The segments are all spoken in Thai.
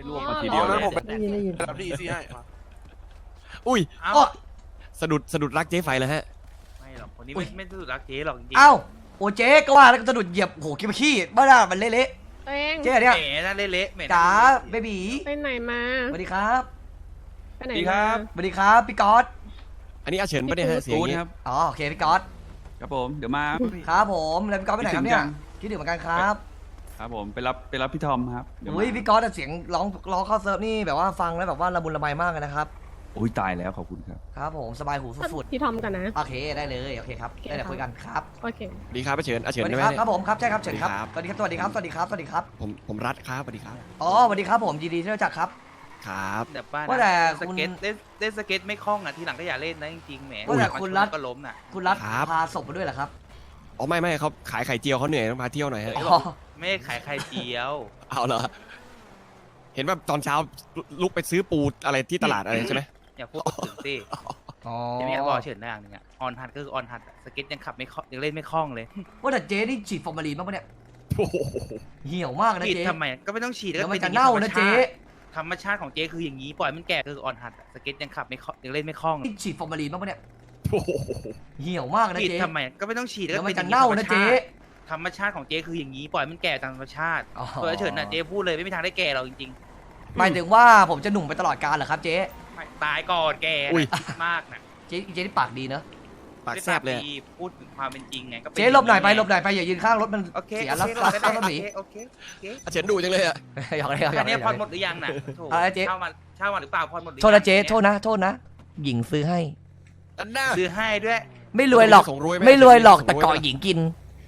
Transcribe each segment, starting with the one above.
ร่วมมาทีเดียวเลยผมรับที่อีซี่ให้อุ้ยอ้อสะดุดรักเจ๊ไฟแล้วฮะไม่หรอกคนนี้ไม่สุดรักเจ๊หรอกจริงเอ้าโอเจ๊ก็ว่าแล้วก็สะดุดเหยียบโหขี้ขี้บ้ามันเละตัวเองๆเจ๊เนี่ยแหมนั่นเละๆแหมจ๋าเบบีไปไหนมาสวัสดีครับไปไหนดีคมารับสวัสดีครับพี่ก๊อตอันนี้อาเฉินไม่ได้ฮะเสียงกูอย่างดงี้ครับอ๋อโอเคพี่ก๊อตครับผมเดี๋ยวมาครับผมแล้วพี่ก๊อตไปไหนครับเนี่ยคิดถึงจังคิดถึงเหมือนกันครับครับผมไปรับพี่ทอมครับเดี๋ยวมาอุ้ยพี่ก๊อตเสียงร้องเข้าเซิร์ฟนี่แบบว่าฟังแล้วแบบว่าละมุนละไมมากเลยนะครับโอ้ยตายแล้วขอบคุณครับครับผมสบายหูสุดพี่ทอมกันนะๆโอเคได้เลยโอเคครับโอเคได้เดี๋ยวคุยกันครับโอเคสวัสดีครับอาเฉินอาสเฉินวัสดีได้ไหมครับเนี่ยครับผมครับใช่ครับเชิญครับสวัสดีครับสวัสดีครับสวัสดีครับสวัสดีครับสวัสดีครับผมรัดครับสวัสดีครับอ๋อสวัสดีครับผมยินดีที่รู้จักครับครับแต่ป้าว่าแต่สเก็ตเล่นสเก็ตไม่คล่องอ่ะทีหลังก็อย่าเล่นนะจริงๆแหมว่าแต่คุณรัฐก็ล้มน่ะคุณรัฐพาศพมาด้วยเหรอครับอ๋อไม่เขาขายไข่เจียวเขาเหนื่อยต้องพาเที่ยวหน่อยฮะอ๋อไม่ได้ขายไข่เจียวเอาเหรอเห็นว่าตอนเช้าลุกไปซื้อปูอะไรที่ตลาดอะไรใช่ไหมอย่าพูดถึงสิอ๋อจะมีบอกเฉินได้อย่างหนึงอ่ะออนฮัทก็คือออนฮัทสเก็ตยังขับไม่คล่องยังเล่นไม่คล่องเลยว่าแต่เจ๊นี่ฉีดฟอร์มาลีนบ้างปะเนี่ยโอ้โหเหี่ยวมากนะฉีดเจ๊ทำไมก็ไม่ต้องฉีดเดี๋ยวมันป็จะอย่งเน่านะเจ๊ธรรมชาติของเจ๊คืออย่างนี้ปล่อยมันแก่คือออนฮัทสเก็ตยังขับไม่คล่องยังเล่นไม่คล่องเลยนี่ฉีดฟอร์มาลีนบ้างปะเนี่ยโอ้โหเหี่ยวมากนะฉีดเจ๊ทำไมก็ไม่ต้องฉีดเดี๋ยวก็มัเป็นนจะเน่านะเจ๊ธรรมชาติของเจ๊คืออย่างนี้ปล่อยมันแก่ตามธรรมชาติอ๋อตัวเฉินน่ะเจ๊พูดเลยไม่มีทางได้แก่เราจริงหมายถึงว่าผมจะหนุ่มไปตลอดกาลเหรอครับเจ๊ๆไม่ตายก่อนแกนะคิดมากนะเจ๊นี่ปากดีเนอะปากแซบเลยไม่ได้ปากดีพูดถึงความเป็นจริงไงก็ป็เจ๊หลบหน่อยไปหลบหน่อยไปอย่ายืนข้างรถมันโอเคเสียโอแล้วเครับได้รับภาษีโอเคโอเคอาเฉินดุจังเลยอะหยอกเลยหยอกอันเลนี้ยผ่อนหมดหรือยังน่ะโถอะไรเจ๊เช่ามาหรือเปล่าผ่อนหมดหรือยังโทษนะเจ๊โทษนะโทษนะ หญิงซื้อให้อันน่าซื้อให้ด้วยไม่รวยหรอกส่งรวยไหมไม่รวยหรอกส่งรวยแต่เกาะไหมหญิงกิน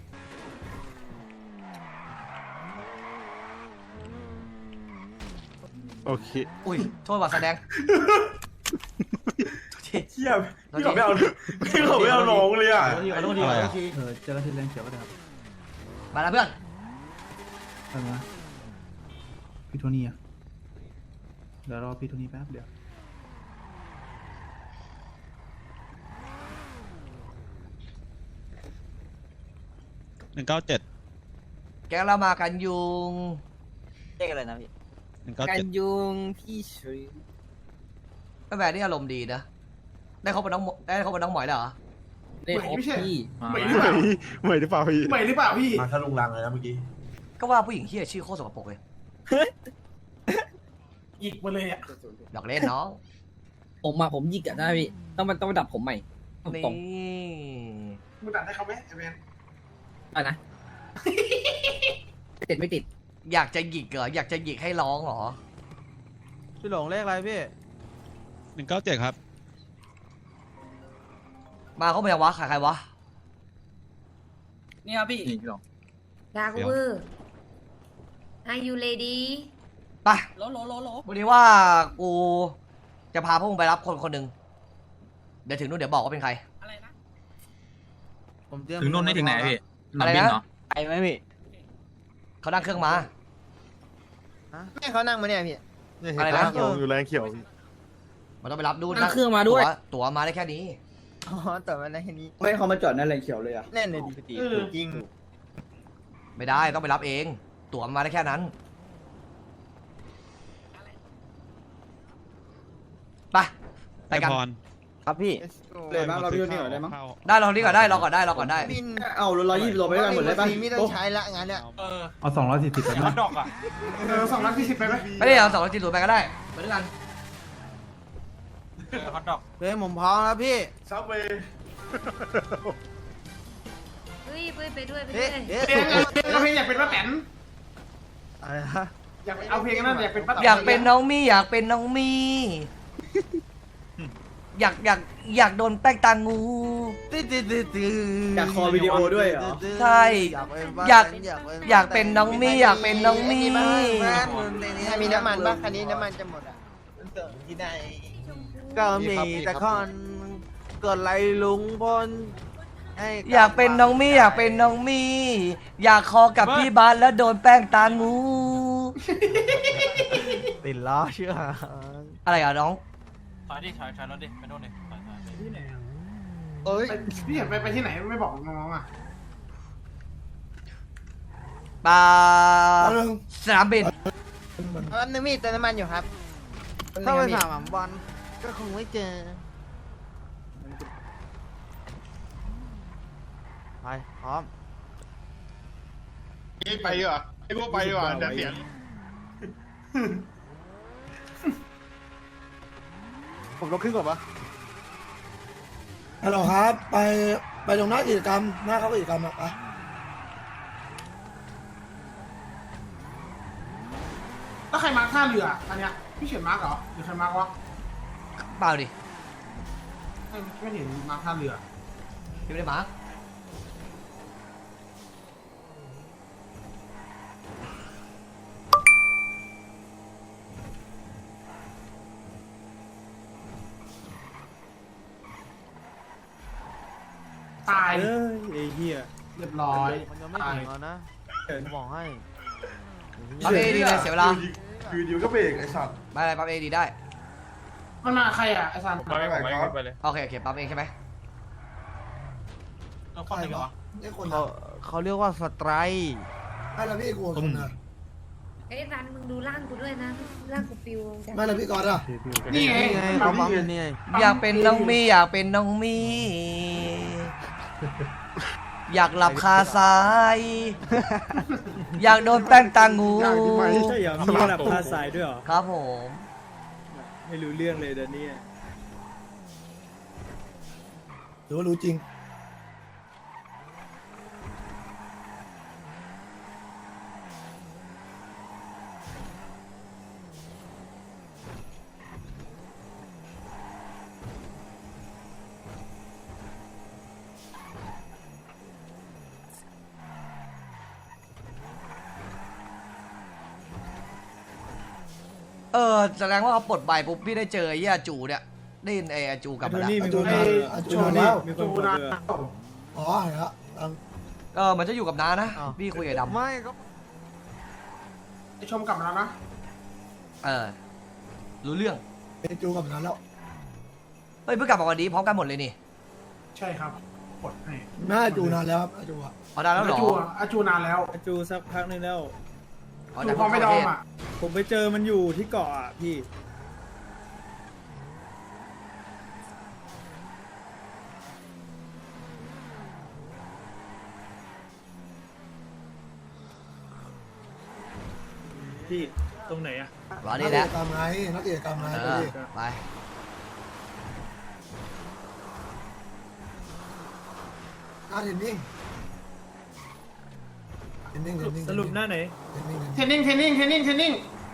โอเคอุ้ยโทษว่าแสดงเทียบพี่เขาไม่เอาพี่เขาไม่เอาน้องเลยอ่ะขอโทษทีขอโทษทีเจอกันที่แรงเขียวก็ได้ครับมาแล้วเพื่อนไปมาพี่โทนี่อ่ะเดี๋ยวรอพี่โทนี่แป๊บเดียวแกงเรามากันยุงเรียกอะไรนะพี่กันยุงพี่ชุยแม่แบรนด์นี่อารมณ์ดีนะ ได้เขาเป็นน้องหมอยแล้วเหรอได้ครบพี่ใหม่หรือเปล่าใหม่หรือเปล่าพี่ใหม่หรือเปล่าพี่มาทะลุงรังเลยนะเมื่อกี้ก็ว่าผู้หญิงเฮียชื่อโคตรสกปรกเลยหยิกมาเลยอ่ะดอกเล่นน้องผมหยิกอะได้พี่ต้องไปดับผมใหม่ตนี่รงมึงตัดให้เขาไหมไอ้แมนๆอะนะ ติดไม่ติดอยากจะหยิกเหรออยากจะหยิกให้ร้องเหรอพี่หลงเลขอะไรพี่ 197ครับมาเขาเป็นยังวะใครวะนี่ครับพี่นี่พี่หลงดาร์กเวอร์ Are you ready ไปโลโลวันนี้ว่ากูจะพาพวกมึงไปรับคนคนหนึ่งเดี๋ยวถึงนู่นเดี๋ยวบอกว่าเป็นใครอะไรนะผมเตรียมถึงนู่นนี่ถึงไหนพี่อะไรนะไปไหมพี่เขานั่งเครื่องมาแม่เขานั่งมาเนี่ยพี่อะไรนะอยู่แรงเขียวพี่มันต้องไปรับดูนั่งเครื่องมาด้วยตั๋วมาได้แค่นี้อ๋อแต่มันได้แค่นี้ไม่เขามาจอดนั่นแรงเขียวเลยอ่ะแน่นเลยดีจริงไม่ได้ต้องไปรับเอง ตั๋วมาได้แค่นั้นไปกันครับพี่เลยบ้างเราพี่โทนี่ก่อนได้มั้งได้รอนี่ก่อนได้รอก่อนได้รอก่อนได้เอา120โลไปด้วยกันหมดเลยป่ะไม่ต้องใช้ละงานเนี่ยเอา240ไปมั้ยดอกอ่ะ240ไปไหมไม่ได้เอา240ไปก็ได้ไปด้วยกันฮอตดอกเฮ้ยผมพร้อมแล้วพี่ซับเวย์เฮ้ยไปด้วยเพลงเอาเพลงอยากเป็นป้าแตนอะไรฮะอยากเอาเพลงนั้นอยากเป็นป้าแตนอยากเป็นน้องมี่อยากเป็นน้องมี่อยากโดนแป้งตางูอยากคอวิดีโอด้วยเหรอใช่อยากเป็นน้องมี่อยากเป็นน้องมี่มีน้ำมันบ้างคันนี้น้ำมันจะหมดอ่ะที่ไหนก็มีแต่คนกดไลลุงพลอยากเป็นน้องมี่อยากเป็นน้องมี่อยากคอกับพี่บาสแล้วโดนแป้งตางูติดล้อเชื่ออะไรอ่ะน้องถอยรถดิไปโน่นดิที่ไหนเอ้ยพี่เห็นไปที่ไหนไม่บอกน้องอ่ะปลาสนามบินแป๊บนึงพี่เติมน้ำมันอยู่ครับถ้าไปถามบอลก็คงไม่เจอไปพร้อมไปดีกว่าไอ้พวกไปดีกว่าเดี๋ยวเสียงผมลงขึ้นก่อนปะฮัลโหลครับ ไปตรงหน้ากิจกรรมหน้าเข้ากิจกรรมอะแล้วใครมาร์คท่าเรืออันเนี้ยพี่เขียนมาร์คเหรอหรือใครมาร์ควะเปล่าดิไม่เห็นมาร์คท่าเรือพี่ไม่ได้มาร์คตายไอ้เหี้ยเรียบร้อยมันยังไม่ถึงแล้วนะผมบอกให้ปั๊บเอดีเลยเสียเวลาคือดิวก็เบรกไอ้สัตว์ไม่อะไรปั๊บเอดีได้มันมาใครอ่ะไอ้ซันไปไปเลยโอเคโอเคปั๊บเองใช่ไหมใครวะนี่คนเขาเรียกว่าสไตรค์ไม่ละพี่กูคนนะไอ้รันมึงดูร่างกูด้วยนะร่างกูปิวจ้ะไม่ละพี่กอดอ่ะนี่ไงนี่ไงเขาปั๊มอยู่นี่ไงอยากเป็นน้องมีอยากเป็นน้องมี อยากหลับคาซ้าย อยากโดนแป้งตางูใช่เหรอมีระดับท่าทรายด้วยเหรอครับผมไม่รู้เรื่องเลยเดี๋ยวนี้หรือว่ารู้จริงแสดงว่าเขาปลดใบปุ๊บพี่ได้เจอไอ้เหี้ยจูเนี่ยได้ยินไอ้จูกลับมาแล้วมีคนไอ้จูนแล้วมีคจูนบอกนาเอออ๋อเห็นแล้วมันจะอยู่กับน้านะ พี่คุยกับดไม่ก็ไอ้ชมกลับมาแล้วนะรู้เรื่องเป็นจูกับนั้นแล้วเฮ้ยเพิ่งกลับมาวันนี้พร้อมกันหมดเลยนี่ใช่ครับกดให้แม่จูนานแล้วครับจูอ่ะเอาได้แล้วเหรออาจูนานแล้วจูสักพักนึงแล้วอ๋อจูแต่พอไม่ดอมอ่ะผมไปเจอมันอยู่ที่เกาะอ่ะพี่ พี่ตรงไหนอ่ะวันนันี้กแหกิละจกรรมไงนักกิจกรรมไงไปเทรนนิ่งเทรนนิ่งสรุปหน้าไหนเทรนนิ่งเทรนนิ่ง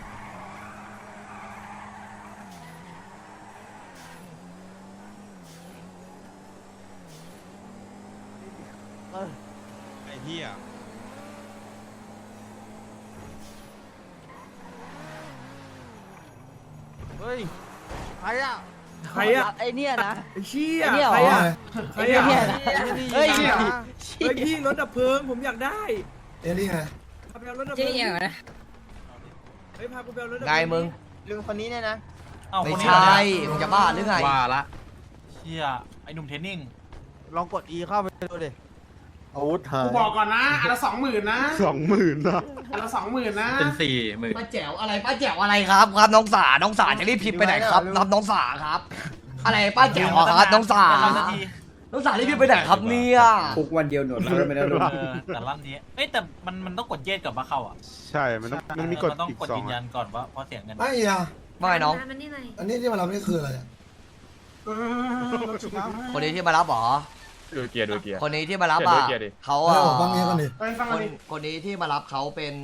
ไอ้เหี้ยเฮ้ยใครอ่ะใครอ่ะไอเนี่ยนะไอ้เชี่ยไอ้เนี่ยเหรอใครอ่ะใครอ่ะเนี่ยนะเฮ้ยเฮ้ยพี่รถดับเพลิงผมอยากได้เทรนนิ่งไงพาไปเอารถดับเพลิงเฮ้ยพากูไปเอารถดับเพไงลิงมึงลุงคนนี้เนี่ยนะไม่ใช่มึงจะบ้าหรือไงว่าละเชี่ยไอ้หนุ่มเทรนนิ่งลองกด E เข้าไปดูดิอาวุธหากูยบอกก่อนนะอันละ20,000นะ 20,000นะอันละ20,000นะเป็น40,000 ป้าแจ๋วอะไรป้าแจ๋วอะไรครับครับน้องสาจะรีบพิมพ์ไปไหนครับรับน้องสาครับ อะไรป้าแจ๋วครับน้องสาน้องสารีบพิมพ์ไปไหนครับเนี่ยคุกวันเดียวหนวดแล้วไม่ได้ลุงแต่รอบนี้เอ้ยแต่มันต้องกดเย็ดก่อนมาเข้าอ่ะใช่มันมีกฎต้องอีกกด 2 ยืนยันก่อนว่าเพราะเสียเงินไม่อ่ะว่าไงน้องมันนี่หน่อยอันนี้ที่มารับนี่คืออะไรอ่ะคนนี้ที่มารับเหรอดูเกียร์ดูเกียร์คนนี้ที่มารับอ่ะเกียร์ดิเขาเออ่ะอฟังเงี้ยกันดิไปฟังกันดิคนนี้ที่มารับเขาเป็น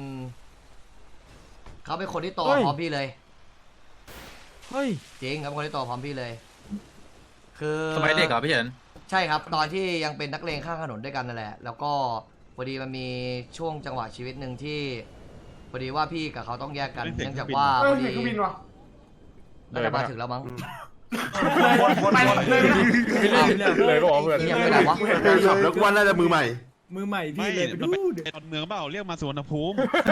คนที่โตพร้อมพี่เลยเฮ้ยจริงครับคนที่โตพร้อมพี่เลย คือสมัยเด็กเหรอพี่เฉินใช่ครับ ตอนที่ยังเป็นนักเลงข้างถนนด้วยกันนั่นแหละ แล้วก็พอดีมันมีช่วงจังหวะชีวิตหนึ่งที่พอดีว่าพี่กับเขาต้องแยกกัน เนื่องจากว่าเอพออเสีดียงเครื่องบินวะน่าจะมาถึงแล้วมั้งไปเลยเลยก็บอกเพื่อนเงียบไปไหนวะขับแล้วกูว่าน่าจะมือใหม่มือใหม่ไม่พี่เลยไปมันดูเป็นตอนเมืองเปล่าเรียกมาสวนภูมิ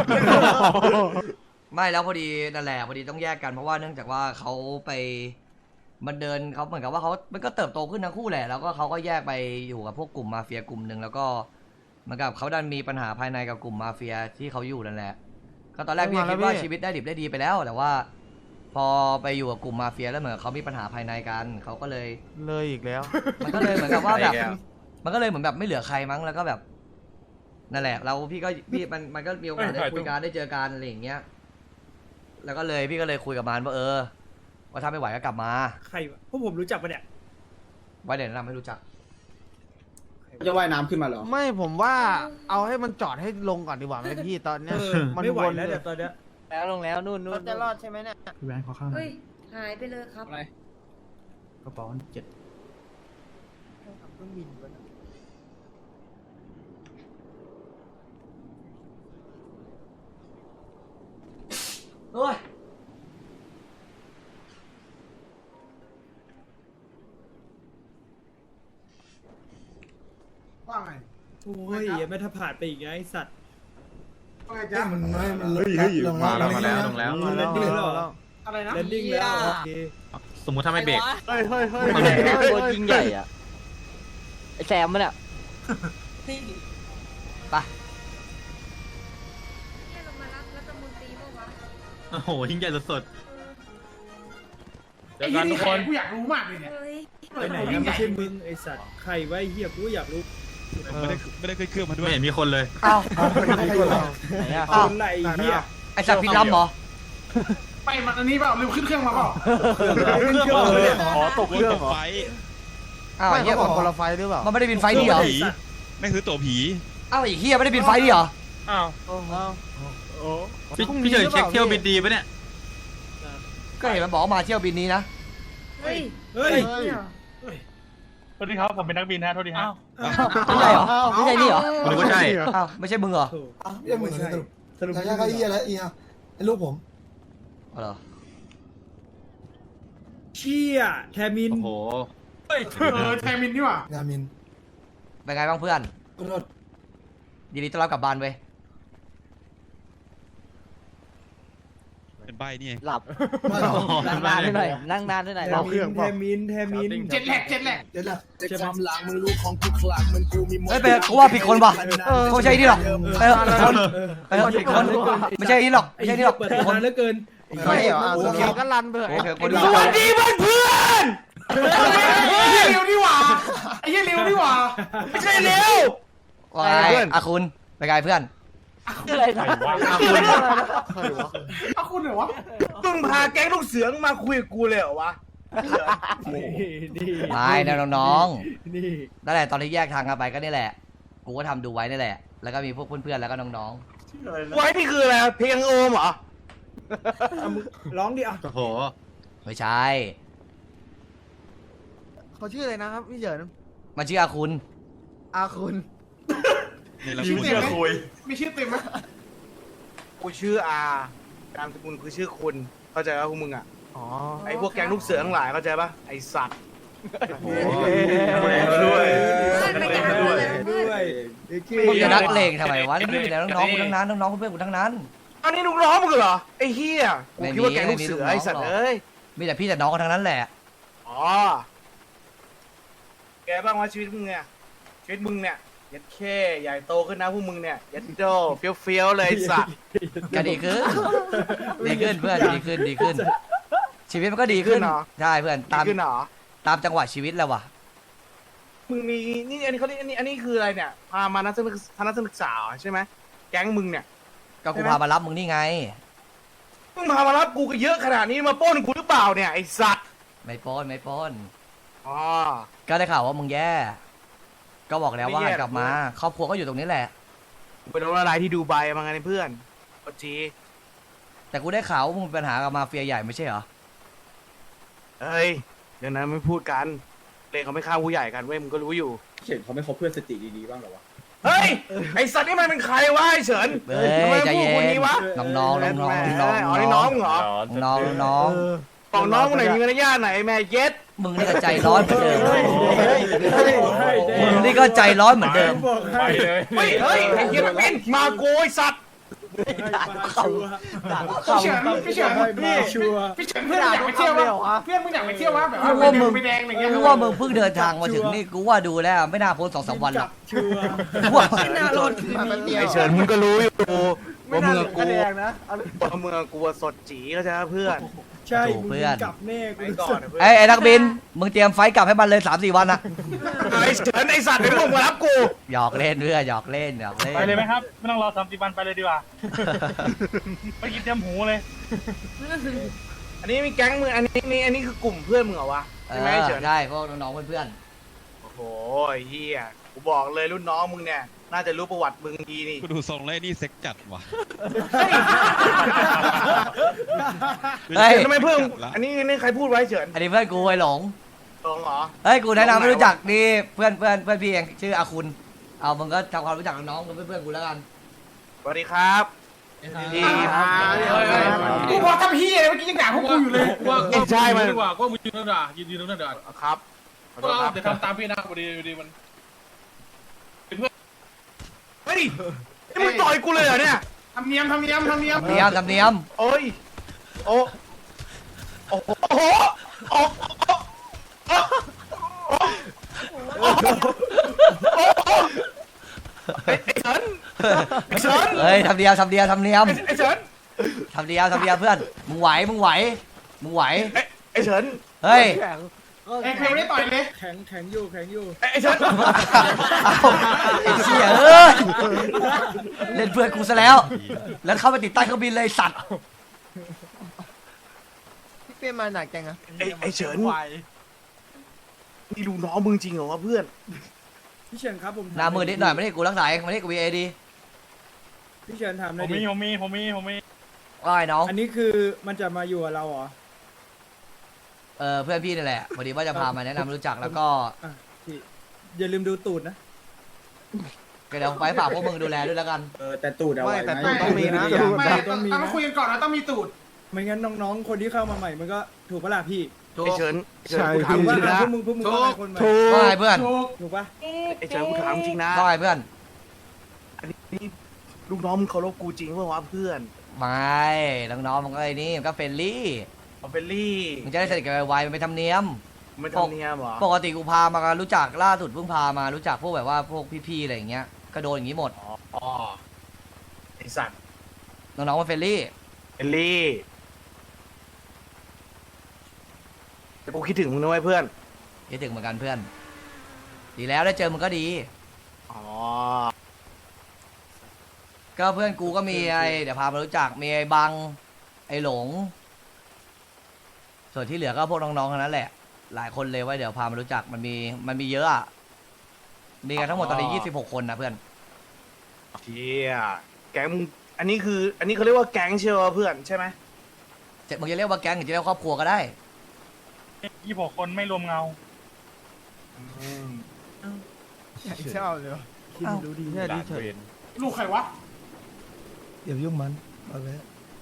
ไม่แล้วพอดีนั่นแหละพอดีต้องแยกกันเพราะว่าเนื่องจากว่าเขาไปมันเดินเขาเหมือนกับว่าเขามันก็เติบโตขึ้นทั้งคู่แหละแล้วก็เขาก็แยกไปอยู่กับพวกกลุ่มมาเฟียกลุ่มหนึ่งแล้วก็เหมือนกับเขาดันมีปัญหาภายในกับกลุ่มมาเฟียที่เขาอยู่นั่นแหละก็ตอนแรกพี่คิดว่าชีวิตได้ดิบได้ดีไปแล้ว แต่ว่า พอไปอยู่กับกลุ่มมาเฟียแล้วเหมือนเขามีปัญหาภายในกันเขาก็เลยเลยอีกแล้วมันก็เลยเหมือนกับว่าแบบมันก็เลยเหมือนแบบไม่เหลือใครมั้งแล้วก็แบบนั่นแหละเราพี่มันก็มีโอกาสได้คุยกันได้เจอกันอะไรอย่างเงี้ยแล้วก็เลยพี่ก็เลยคุยกับมันว่าว่าถ้าไม่ไหวก็กลับมาใครพวกผมรู้จักปะเนี่ยไว้เดี๋ยวแนะนำให้รู้จักจะว่ายน้ำขึ้นมาเหรอไม่ผมว่าเอาให้มันจอดให้ลงก่อนดีกว่าไหมพี่ตอนเนี้ยมันไม่ไหวแล้วเดี๋ยวตอนเนี้ยแล้วลงแล้วนู่นจะรอดใช่ไหมเนี่ยพี่แวนขอข้าวหน่เฮ้อยย หายไปเลยครับกระเป๋า7 เฮ้ยว่าไงโอ้ยยังไม่ถ้าผ่านไปอีกไงไอ้สัตว์ว่าไงเฮ้จ๊ะยมันลงแล้วมาแล้วมาแล้วอะไรนะแลนดิ้งแล้วโอเคสมมุติถ้าไม่เบรกเฮ้ยเฮ้ยเฮ้ยตัวยิงใหญ่อ่ะไอแซมมันอ่ะไปเนี่ยลงมารับรัฐมนตรีเมื่อวานโอ้โหยิ่งใหญ่สุดไอ้ที่นี่ใครกูอยากรู้มากเลยเนี่ยเฮ้ยไปไหนนะไม่ใช่มึงไอสัตว์ใครไว้เฮียกูอยากรู้ไม่ได้ขึ้นเครื่องมาๆด้วยไม่เห็นมีคนเลยอ้าวคนไหนเฮียไอสัตว์พินล้ำเหรอไปมันอันนี้เปล่าลืมขึ้นเครื่องมาเปล่าอ๋อตกเครื่องไฟอ้าวไม่ไอ้เหี้ยเขาบอกคนละไฟหรือเปล่ามันไม่ได้บินไฟล์นี่เหรอผีแม่งซื้อตั๋วผีอ้าวไอ้เหี้ยไม่ได้บินไฟล์นี่เหรออ้าวพี่เฉยเช็คเที่ยวบินดีปะเนี่ยก็เห็นมันบอกว่ามาเที่ยวบินนี้นะเฮ้ยเฮ้ยนี่เหรอสวัสดีครับ ผมเป็นนักบินฮะโทษทีฮะไม่ใช่เหรอ ไม่ใช่นี่เหรอผมนึกว่าใช่อ้าวไม่ใช่มึงเหรอยังเหมือนกันสรุปใช่เขาเอี้ยแล้วเอี้ยไอ้ลูกผมอ๋อเหรอเชี่ยแทมินโอ้โหแทมินนี่หว่างามินเป็นไงบ้างเพื่อนก็โทษยินดีต้อนรับกลับบ้านเว้ยเป็นใบนี่ไงหลับไม่หรอกนั่งนานด้วยหน่อยนั่งนานด้วยหน่อยแทมินแทมินแทมินเจ็ดแหลกเดี๋ยวนะจะความหลังมึงรู้ของทุกคลังมันกูมีเฮ้ยไปกูว่าผิดคนว่ะเขาไม่ใช่นี่หรอกผิดคนไม่ใช่นี่หรอกไม่ใช่นี่หรอกเปิดผิดคนนานเหลือเกินไม่เหรอโอเคก็รันไปเถอะโอเคคนสวัสดีเพื่อนไอ้เหี้ยเร็วนี่หว่าไอ้เหี้ยเร็วนี่หว่าไม่ใช่เร็วว่าไงอาคุณเป็นไงเพื่อนอะไรนะเอาคุณเหรอวะมึงพาแก๊งลูกเสือมาคุยกับกูเลยเหรอวะนี่ไม่นะน้องนี่ๆนั่นแหละตอนที่แยกทางกันไปก็นี่แหละ กูก็ทำดูไว้นี่แหละ แล้วก็มีพวกเพื่อนๆแล้วก็น้องไว้นี่คืออะไรเพลงโอมเหรอร้องดิอ่ะโอ้โหๆไม่ใช่เขาชื่ออะไรนะครับพี่เฉินมันชื่ออาคุณอาคุณนี่เราชื่อพูดเต็มไหมมีชื่อเต็มไหมกูชื่ออานามสกุลคือชื่อคุณเข้าใจป่ะพวกมึงอ่ะอ๋อไอพวกแก๊งลูกเสือทั้งหลายเข้าใจป่ะไอสัตว์โอ้ด้วยเพื่อนไม่กล้าเลยเพื่อนมึงจะนักเลงทำไมวะนี่มีแต่น้องๆกูทั้งนั้นน้องๆเพื่อนๆกูทั้งนั้นอันนี้ลูกน้องมึงเหรอไอ้เฮียกูคิดว่าแก๊งลูกเสือไอสัตว์เอ้ยมีแต่พี่แต่น้องกันทั้งนั้นแหละอ๋อแกบ้างว่าชีวิตมึงเนี่ยชีวิตมึงเนี่ยยัดแค่ใหญ่โตขึ้นนะพวกมึงเนี่ยยัดโตเฟี้ยวๆเลยไอ้สัตว์ก็ดีขึ้นดีขึ้นเพื่อนดีขึ้น ชีวิตมันก็ดีขึ้นใช่เพื่อนดีขึ้นเหรอตามจังหวะชีวิตแล้ววะมึงมีนี่อันนี้เขาอันนี้คืออะไรเนี่ยพามานักศึกษาใช่ไหมแก๊งมึงเนี่ยก็กูพามารับมึงนี่ไงมึงพามารับกูก็เยอะขนาดนี้มาปล้นกูหรือเปล่าเนี่ยไอสัตว์ไม่ปล้นอ๋อก็ได้ข่าวว่ามึงแย่ ก็บอกแล้วว่าไม่แย่กลับมาครอบครัวก็อยู่ตรงนี้แหละกูไปโดนอะไรที่ดูไบมาไงเพื่อนปจีแต่กูได้ข่าวว่ามึงมีปัญหากับมาเฟียใหญ่ไม่ใช่เหรอเฮ้ยเดี๋ยวนั้นไม่พูดกันเลงเขาไม่ฆ่าผู้ใหญ่กันเว้ยมึงก็รู้อยู่เห็นเขาไม่คบเพื่อนสติดีๆบ้างหรอวะเฮ้ยไอสัตว์นี่มันเป็นใครวะไอเฉินเฮ้ทำไมยใจพูดเย็คนนนี้วะน้องๆน้องๆอ๋อนี่น้องมึงเหรอน้องบอกน้องมึงไหนมีมารยาทไหนแม่เย็ดมึงนี่ก็ใจร้อนเหมือนเดิมมึงนี่ก็ใจร้อนเหมือนเดิมไปเลยเฮ้ยไอ้เหี้ยนักบินมาโกยสัตว์พี่เฉินเพื่อนอยากไปเที่ยววะเพื่อนมึงอยากไปเที่ยววะแบบว่าไปแดงอะไรเงี้ยกูว่ามึงเพิ่งเดินทางมาถึงนี่กูว่าดูแล้วไม่น่าพ้น2-3 วันหรอกว่าไอเฉินมึงก็รู้อยู่ว่าเมืองกูว่าเมืองกูสดจีก็จะเพื่อนใช่เพื่อนไปก่อนนะเพื่อนไอ้นักบินมึงเตรียมไฟท์กลับให้มันเลย3-4 วันนะไอ้เฉินไอ้สัตว์เดี๋ยวมึงมารับกูหยอกเล่นเพื่อนหยอกเล่นหยอกเล่นไปเลยไหมครับไม่ต้องรอ30 วันไปเลยดีกว่าไปกินเตรียมหูเลยอันนี้มีแก๊งมึงอันนี้คือกลุ่มเพื่อนมึงเหรอวะใช่ไหมเฉินใช่พวกน้องๆเพื่อนโอ้โหไอ้เฮียกูบอกเลยรุ่นน้องมึงเนี่ยน่าจะรู้ประวัติมึงดีนี่กูดูทรงเลยนี่เซ็กจัดว่ะเฮ้ยทำไมเพื่อนอันนี้ใครพูดไว้เฉินอันนี้เพื่อนกูไอ้หลงตรงเหรอเฮ้ยกูแนะนำไม่รู้จักนี่เพื่อนพี่เองชื่ออาคุณเอามึงก็ทำความรู้จักกับน้องกับเพื่อนกูแล้วกันสวัสดีครับดีครับกูบอกทำเฮียเมื่อกี้ยังด่าพวกกูอยู่เลยไม่ใช่มันดีกว่าก็มึงยืนนั่นด่ายืนนั่นด่าครับขอโทษครับเดี๋ยวทำตามพี่นะพอดีมันเฮ้ยนี่มึงต่อยกูเลยเหรอเนี่ยทำเนียมทำเนียมโอ้ยโอ้โอ้โหโอ้ไอ้เฉินไอ้เฉินเฮ้ยทำเนียมไอ้เฉินทำเนียมเพื่อนมึงไหวไอ้เฉินเฮ้ยเพลงไม่ได้ต่อยเลยไอ้เฉินไอ้เชี่ยเอ้ยเล่นเพื่อนกูซะแล้วเข้าไปติดใต้เครื่องบินเลยสัตว์พี่เป้มาหนักจังอะไอ้เฉินนี่ลูกน้องมึงจริงเหรอวะเพื่อนพี่เฉินครับผมหน้ามือนิดหน่อยไม่ได้กูรักษาเองไม่ได้กูวีเอดีพี่เฉินถามหผน่อยมดิมีว่าไอ้น้องอันนี้คือมันจะมาอยู่กับเราเหรอเพื่อนพี่นี่แหละพอดีว่าจะพามาแนะนำรู้จักแล้วก็อ่ะพี่อย่าลืมดูตูดนะเดี๋ยวไปฝากพวกมึงดูแลด้วยแล้วกันแต่ตูดเอาไว้แต่ตูดต้องมีนะต้องมีต้องนะคุยกันก่อนนะต้องมีตูดไม่งั้นน้องๆคนที่เข้ามาใหม่มันก็ถูกปะล่ะพี่ไอ้เฉินกูถามถูกจปะริงนะพวกมึงก็เป็นคนใหม่ว่าไงเพื่อนถูกปะไอ้เฉินกูถามจริงนะว่าไงเพื่อนอันนี้ลูกน้องมึงเคารพกูจริงเปล่าวะเพื่อนไม่น้องๆมันก็ไอ้นี่มันก็เฟรนลี่เอาเฟลลี่มันจะได้สนิทกันไวๆมันเป็นธรรมเนียมไม่ทำเนียมเหรอปกติกูพามารู้จักล่าสุดเพิ่งพามารู้จักพวกแบบว่าพวกพี่ๆอะไรอย่างเงี้ยก็โดนอย่างงี้หมดอ๋อไอสัตว์น้องๆมันเฟรนลี่เฟลลี่แต่กูคิดถึงมึงนะเว้ยเพื่อนคิดถึงเหมือนกันเพื่อน ดีแล้วได้เจอมึงก็ดีอ๋อก็เพื่อนกูก็มีไอเดี๋ยวพามารู้จักมีไอ้บังไอ้หลง ส่วนที่เหลือก็พวกน้องๆทั้งนั้นแหละ หลายคนเลยว่าเดี๋ยวพามารู้จักมันมีเยอะอะมีกันทั้งหมดตอนนี้26 คนนะเพื่อนเชี่ยแก๊งมึงอันนี้เขาเรียกว่าแก๊งเชียวเพื่อนใช่ไหมมึงจะเรียกว่าแก๊งหรือจะเรียกว่าครอบครัวก็ได้ 26 คนไม่รวมเงาชอบเลยคิดรู้ดีเนี่ยดีเฉินลูกใครวะอย่ายุ่งมันเอาไว้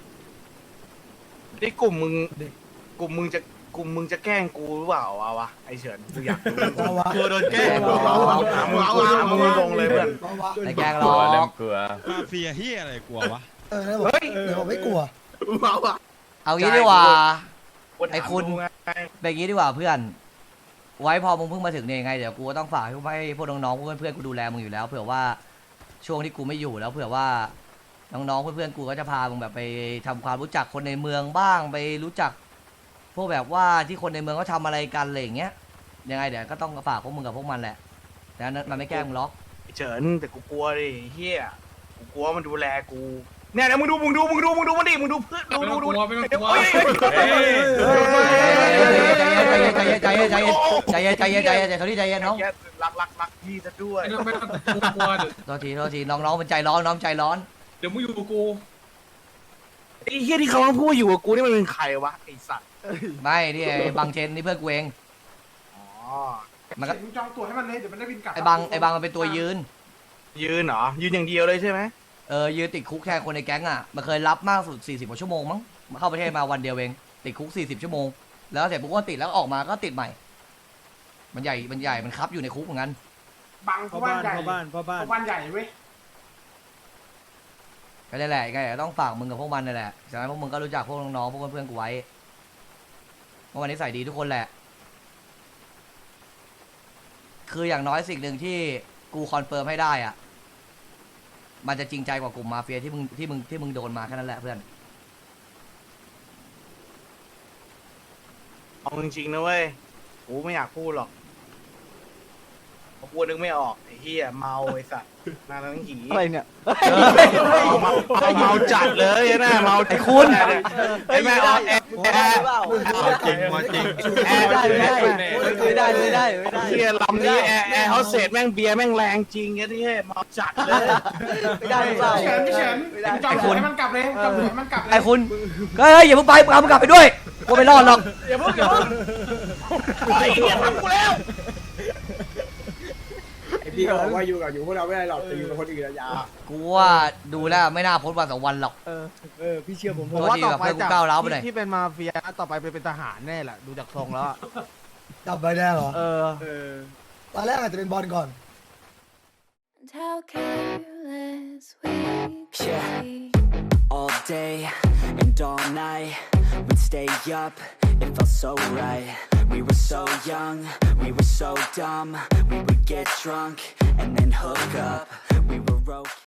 นี่กลุ่มมึงจะแกล้งกูหรือเปล่าวะไอเฉินกูอยากรู้เอาวะกลัวโดนแกล้งถามมึงตรงเลยเพื่อนเอาวะไอ้แก๊งหรอกมาเฟียเฮียอะไรกลัววะแล้วบอกเดี๋ยวบอกไม่กลัวเอางี้ดีกว่าถามไอ้คุณดูไงเป็นงี้ดีกว่าเพื่อน ไว้พอมึงเพิ่งมาถึงเนี่ยยังไงเดี๋ยวกูก็ต้องฝากให้พวกน้องๆเพื่อนๆกูดูแลมึงอยู่แล้วเผื่อว่าช่วงที่กูไม่อยู่แล้วเผื่อว่าน้องๆเพื่อนๆกูก็จะพามึงแบบไปทำความรู้จักคนในเมืองบ้างไปรู้จัก พวกแบบว่าที่คนในเมืองเขาทำอะไรกันอะไรอย่างเงี้ยยังไงเดี๋ยวก็ต้องฝากพวกมึงกับพวกมันแหละแต่นั้นมันไม่แกล้งมึงหรอกไอ้เฉินแต่กูกลัวดิเฮียกูกลัวมันดูแลกูเนี่ยนะมึงดูมันดิมึงดูเพื่อนดูไม่ต้องกลัวไม่ต้องกลัวใจเย็นใจเย็นเขาที่ใจเย็นน้องรักพี่ซะด้วยไม่ต้องกลัวโทษทีน้องมันใจร้อนน้องใจร้อนเดี๋ยวมึงอยู่กับกูไอ้เฮียที่เขาพูดอยู่กับกูนี่มันเป็นใครวะไอ้สัตว์ไม่นี่ไอ้บางเชนนี่เพื่อนกูเองอ๋อมันก็มึงจองตั๋วให้มันเลยเดี๋ยวมันได้บินกลับไอ้บางมันเป็นตัวยืนยืนเหรอยืนอย่างเดียวเลยใช่ไหมยืนติดคุกแทนคนในแก๊งอ่ะมันเคยรับมากสุด40 กว่าชั่วโมงมั้งมาเข้าประเทศมาวันเดียวเองติดคุก40 ชั่วโมงแล้วเสร็จปุ๊บก็ติดแล้วออกมาก็ติดใหม่มันใหญ่มันคับอยู่ในคุกเหมือนกันบังพ่อบ้าบ้าน นใหญ่พ่อบ้านพ่อบ้านบ้านใหญ่เว้ยก็ได้แหละไงต้องฝากมึงกับพวกมันนั่นแหละจากนั้นพวกมึงก็รู้จักพวกน้องๆพวกเพื่อนๆกูไว้เมื่อวันนี้ใส่ดีทุกคนแหละคืออย่างน้อยสิ่งหนึ่งที่กูคอนเฟิร์มให้ได้อ่ะมันจะจริงใจกว่ากลุ่มมาเฟียที่มึงโดนมาแค่นั้นแหละเพื่อนเอาจริงๆนะเว้ยกูไม่อยากพูดหรอกเพราะกูนึกไม่ออกไอ้เหี้ยเมาไอ้สัตว์น่าทั้งหีอะไรเนี่ยเมาจัดเลยนะเมาไอ้คุณไอ้แม่ออกแอร์จริงมาจริงไม่ได้เหี้ยลำนี้แอร์เฮาเสร็จแม่งเบียร์แม่งแรงจริงไอ้ที่เมาจัดเลยไม่ได้เปล่าพี่เฉินจอมหัวให้มันกลับเลยจอมหัวให้มันกลับเลยไอ้คุณเฮ้ยอย่าเพิ่งไปเอามึงกลับไปด้วยกูไม่รอดหรอกอย่าเพิ่งไอ้เหี้ยทำกูแล้วพี่ก็บอกว่าอยู่พวกเราไม่ได้หรอกแต่อยู่กับคนอื่นอะยากูว่าดูแล้วไม่น่าพ้นวัน2 วันหรอกพี่เชื่อผมผมว่าต่อไปจากที่เป็นมาเฟียต่อไปเป็นทหารแน่แหละดูจากทรงแล้วจับไปแน่เหรอเออตอนแรกอาจจะเป็นบอลก่อน How careless we Yeah. be. All day and all night, we'd stay up, it felt so right. We were so young, we were so dumb. We would get drunk and then hook up. We were okay.